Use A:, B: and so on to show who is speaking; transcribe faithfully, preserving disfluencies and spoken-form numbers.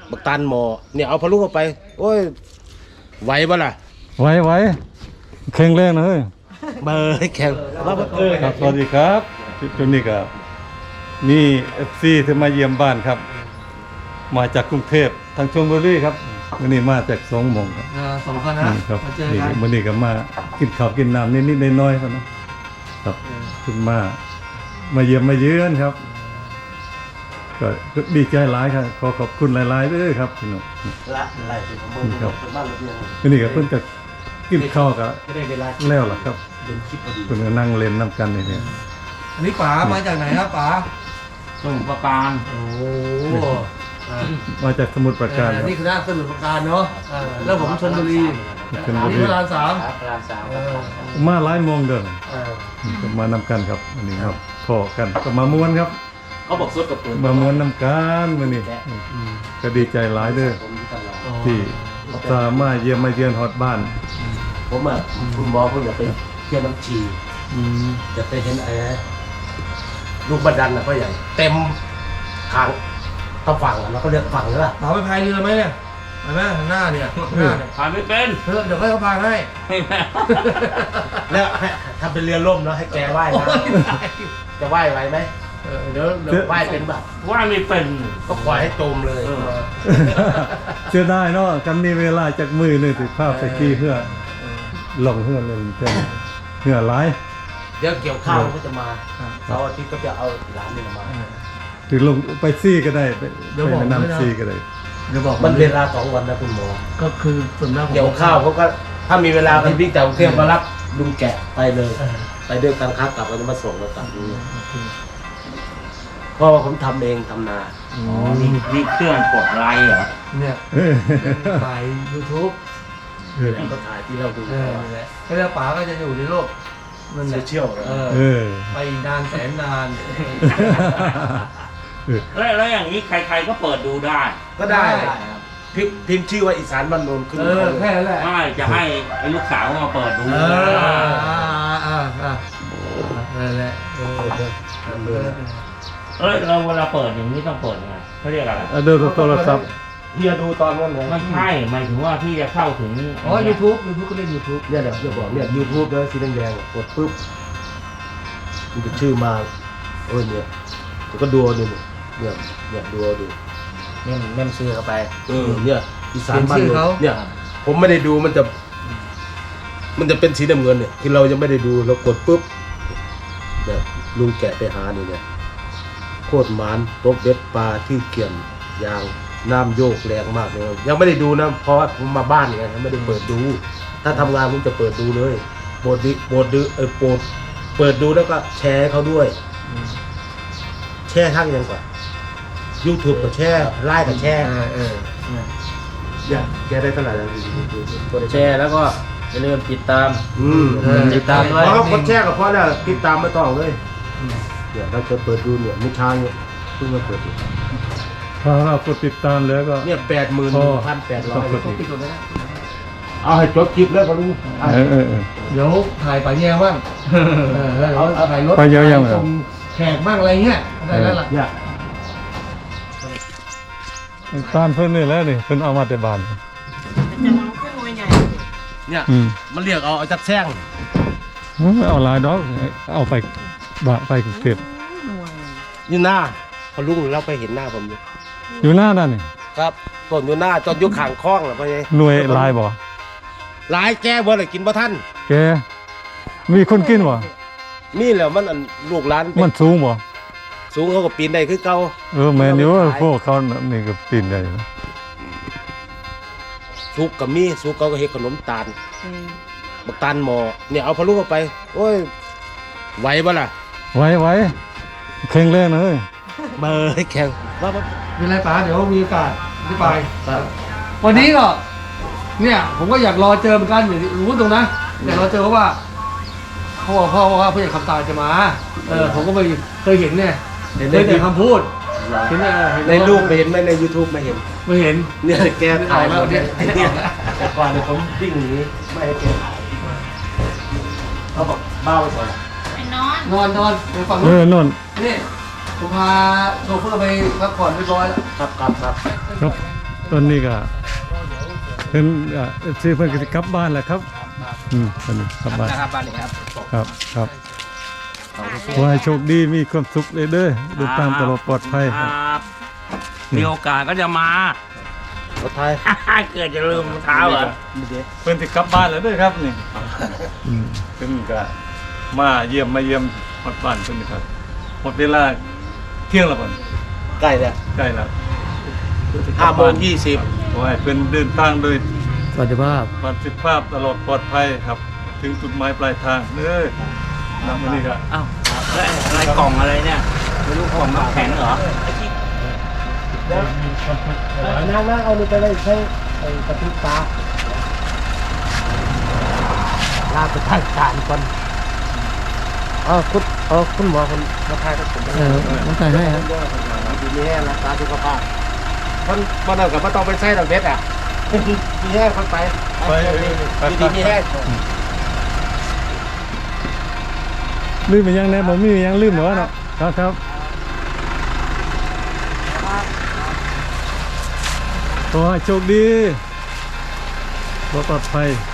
A: บักตันหมอเนี่ยเอาพะลุเข้าไปโอ้ยไหวบ่ล่ะ
B: ไว้ไว้แข็งแรงนะเฮ้ย
A: เบอร์แข็งว่าเออ
B: ครับสวัสดีครับจุดนี้ครับนี่ เอฟ ซี ที่มาเยี่ยมบ้านครับ มาจากกรุงเทพทางชลบุรีครับวันนี้มาจากสองโมงครับ
C: สองคนนะ
B: นี่ครับ
C: มาเจอ
B: นี่
C: กัน
B: วันนี้ก็มากินข้าวกินน้ำนิดๆน้อยๆครับนะครับขึ้นมามาเยี่ยมมาเยือนครับก็ก็ดีใจหลายครับขอขอบคุณหลายๆด้วยครับพี่น้อง
A: ละไล่เป็นของมึงเป็นบ้านระเบียง
B: วันนี้ก็เพิ่นก็กินข้าวกับ
A: ไม่ได้เวลา
B: แล้วล่ะครับ
A: เป็นคลิปพอดี
B: เพิ่นก็นั่งเล่นน้ำกันนี่เนี่ย
C: อันนี้ป๋ามาจากไหนครับป๋า
D: สมุทรปราการ
C: โอ้อ่า
B: มาจากสมุทรปราการครับ
C: นี่คือหน้าสมุทรปราการเนาะอ่าแล้วผมชลบุรี
B: ชลบุ
C: นี่
B: รี
C: พระรามสาม
D: ครับพระรามสาม
C: เออ
B: มาหลายโมงเดิน
C: เออ
B: ก็มานำกันครับอันนี้ครับพอกันก็มาม้วนครับ
A: เขาบอกสดกับปืน
B: มาม้วนนำกันมื้อนี้ก็ดีใจหลายเด้อ
A: ผมตลอด
B: ที่สามารถเยี่ยมมาเยือนฮอดบ้าน
A: ผมอ่ะคุณหมอผมอยากไปเที่ยวน้ำชีอยากไปเห็นไอ้ลูกบันดันนะพ่อใหญ่เต็มทางต้องฝั่งแล้วก็เรียกฝั่งใช่ป่ะ
C: ป๋าไปพายเรือไหมเนี่ยไปไหมหน้าเนี่ยหน้าเนี่ย
D: ผ่านไม่เป็น
C: เออเดี๋ยวให้เขาพายให้
D: ไม่แม่
A: แล้วให้ทำเป็นเรือล่มแล้วให้แกว่ายนะจะว่ายไหวไหม
C: เออเดี๋ยวเดี๋ยว
A: ว่ายเป็นแบบ
D: ว่าไม่เป็น
A: ก็ปล่อยให้จมเลย
D: เออ
B: เชื่อได้เนาะกันมีเวลาจากมือหนึงสิภาพไปกี้เพื่อลงเฮือเลยเต็มเฮือหลาย
A: เดี๋ยวเกี่ยวข้าวก็จะมาเสาร์อาทิตย์ก็จะเอาหลานนี่มา
B: ถึงลงไปซี่ก็ได้ไปไปแม่น้ำซี่ก็ได้
C: เดี๋ยวบอก
A: มันเวลาสองวันนะคุณหมอ
C: ก็คือส่วนมากผม
A: เกี่ยวข้าวเขาก็ถ้ามีเวลาพี่บิ๊กแต่กรุงเทพมารับลุงแกะไปเลย ไปด้วยกันครับกลับก็จะมาส่งมากลับนี่เพราะว่าผมทำเองทำนา
C: อื
D: อ๋อ
C: ม
D: นี่นี่เครื่องกดไลค์เหรอ
C: เนี่ย
B: เออ
C: ถ่าย YouTube
B: เออ
A: ก็ถ่ายที่เราดู
C: เออนั่นแหละแล้วป๋าก็จะอยู่ในโลกนั่นแห
A: โซ
C: ละ
A: เชียล
C: เออ
B: เออ
C: ไปนานแสนนาน
D: แล้วแล้วอย่างนี้ใครๆก็เปิดดูได้
A: ก็ได้
C: ได้
A: ครับพิมพ์พิมพ์ชื่อว่าอีสานบ้านโนนขึ้น
C: เออแค่นั้นแหละ
D: ไม่จะให้ไอ้ลูกสาวมาเปิดดู
C: เอออ่าอ่าอ่านั่นแหละเออเออ
D: เอ้ยเราเวลาเปิดอย่างนี้ต้องเปิดยังไงเขาเรียกอะไร
B: เอาเดินโทรศัพท์
A: เฮียดูตอนนั้นเลย
D: ไม่ใช่หมายถึงว่าที่จะเข้าถึง
C: อ๋อ YouTube YouTube ก็เล่น YouTube
A: เนี่ยเดี๋ยวจะบอกเนี่ยยูทูบเลยสีแดงๆกดปุ๊บมันจะชื่อมาโอ้ยเนี่ยแล้วก็ดูเอาดูเนี่ยเนี่ยดูเอาดู
D: เม่มเม่มชื่อเข้าไป
A: เออเนี่ยอีสานบ้าน
C: เป็นชื่อ
A: โน
C: เขา
A: นเนี่ย ผมไม่ได้ดูมันจะ มันจะเป็นสีน้ำเงินเนี่ยคือเรายังไม่ได้ดูเรากดปุ๊บเนี่ยลุงแกะไปหานี่เนี่ยโคตรหมานตกเบ็ดปลาที่เกี่ยมยางน้ำโยกแรงมากเลยยังไม่ได้ดูนะเพราะว่าผมมาบ้านไงยังไม่ได้เปิดดู ถ้าทำงานผมจะเปิดดูเลยโปรดดิโปรดดูเออโปรดเปิดดูแล้วก็แชร์ให้เขาด้วย แชร์ทั้งยังกว่า YouTube ก็แชร์ไลน์ก็แชร์
C: เออเออ
A: อย่าแกได้เท่าไหร่แล้ว
D: กดแชร์แล้วก็อย่าลืมติดตาม
A: อืม
C: เออ
D: ติดตามด้วย
A: เพราะเขากดแชร์กับพ่อแล้วติดตามไม่ต้องเลยเนี่ยเราจะเปิดดูเนี่ยไม่ช้าเนี่ยเพิ่งมาเปิดดู
B: พอเรากดติดตามแล้วก็
A: เนี่ยแปดหมื่นพันแปดร้อย
C: ต้องปิดก่อนนะ
A: เอาให้จบคลิปแล้วพอรู้
B: เออเออเออ
C: เดี๋ยวถ่ายป่าแย่บ้างเออแล้วถ่ายรถ
B: ป่าแย่ยังไง
C: ส่งแขกบ้างอะไรเงี้ยได้แล้วล่ะ
A: เนี่ย
B: ตามเพิ่นนี่แหล้วนี่เพิ่นเอามาแต่บ้าน
E: จะมองขึ้นมวยใหญ่
A: เนี่ย
B: อืม
A: มันเรียกเอาเอาจักแซง
B: เอาหลายดอกเอาไปบะไปกรุงเทพ
E: หน่วย
A: อยู่หน้าพอลุงเราไปเห็นหน้าผมอยู่
B: อยู่หน้านั่นนี่
A: ครับต้นอยู่หน้าจนอยู่ข้างคลองเหรอพ่อใหญ่
B: หน่วยลายบ่
A: หลายแก้บ่เลยกินบ่ทัน
B: แกมีคนกินบ่
A: นี่แหละมันอันลูกหลานเป็
B: มัน นสูงบ่
A: สูงเขาก็ปีนได้คือเก่า
B: เออแม่นอยู่พวกเขานี่ก็ปีนได้นะ
A: สุกกับมีสุกเขาก็เฮ็ดขนมตาล
E: อืม
A: บักตาลหมอเนี่ยเอาพะลุเข้าไป โอ้ยไหวบ่ล่ะ
B: ไว้ไว้แข็งแรงนะเฮ้ย
A: เบอร์แข็งว่าว่า
C: เป็นไรป๋าเดี๋ยวมีโอกาสที่ไป
A: ครับ
C: วันนี้ก็เนี่ยผมก็อยากรอเจอเหมือนกันอย่างที่รู้ตรงนะอยากรอเจอเพราะว่าพ่อพ่อว่าผู้ใหญ่คำตาจะมาเออผมก็ไม่เคยเห็นเนี่ย
A: เห็น
C: เค
A: ใน
C: ยแต่คำพูดเห็นในเห็น
A: ในรูปไม่เห็นไหมใน YouTube ไม่เห็น
C: ไม่เห็น
A: เนี่ยแกถ่ายมา
C: เนี่
A: เนี่ย ยเนี่ยแต่ก่อนเนี่ยผมวิ่งหนีไม่ให้แกถ่ายเขาบอกบ้าไปก่อน
E: ไปนอน
C: นอนนอนไปฝั่ง
B: เอ
C: นู้
B: อน นน
C: นี่ผมพาโชเฟอร์ไปพักผ่อนเรียบร้อยแล้ว
A: ครับครับครับ
B: ครับตอนนี้ก็เพิ่นเอ่อซื้อเพิ่นก็สิกลับบ้านแหละครับอืมตอนนี้กลับบ้าน
F: นะครับบ้านนี้ครับ
B: ครับครับขอให้โชคดีมีความสุขเลยเด้อเดินทางตลอดปลอดภัย
D: ค
B: ครับ
D: รับมีโอกาสก็จะมา
A: รถไทย
D: เกิดจะลืมรองเท้าเหรอ
B: เพิ่นสิกลับบ้านแล้วเด้อครับนี่อืมเพิ่นก็มาเยี่ยมมาเยี่ยมฮอดบ้านเพิ่นนี่ครับหมดเวลาเที่ยงแล้วบ่
A: ใกล้แล้ว
B: ใกล้แล้ว
A: ห้าโมงยี่สิบ
B: ขอให้เพิ่นเดินทางโดย
C: สวัสดีภาพ
B: ปลอดภาพตลอดปลอดภัยครับ ถึงจุดหมายปลายทางเด้อน้ำมันนี่ก็
D: อ้าวแล้วอะไรกล่องอะไรเนี่ยไม่รู้กล่องน้ำแข็งเหรอ
F: นั่งนั่งเอานี่ไปเลยใช้ไอ้กระติกตาลาไปทางการก่อนอ๋อคุณอ๋อคุณหมอคนมาทายกับผม
C: เออน้องไก่ให้ครับ
F: ดีนี่รักษาสุขภาพ
A: มันมันเอากับมันต้องไปใช้ดอกเบ็ดอ่ะ
F: ดีแห้งคนไป
B: ไป
F: ดีดีแห้ง
B: ลืมไปยังแน่ผมมียังลืมเหรอเนาะครับครับขอให้โชคดีปลอดภัย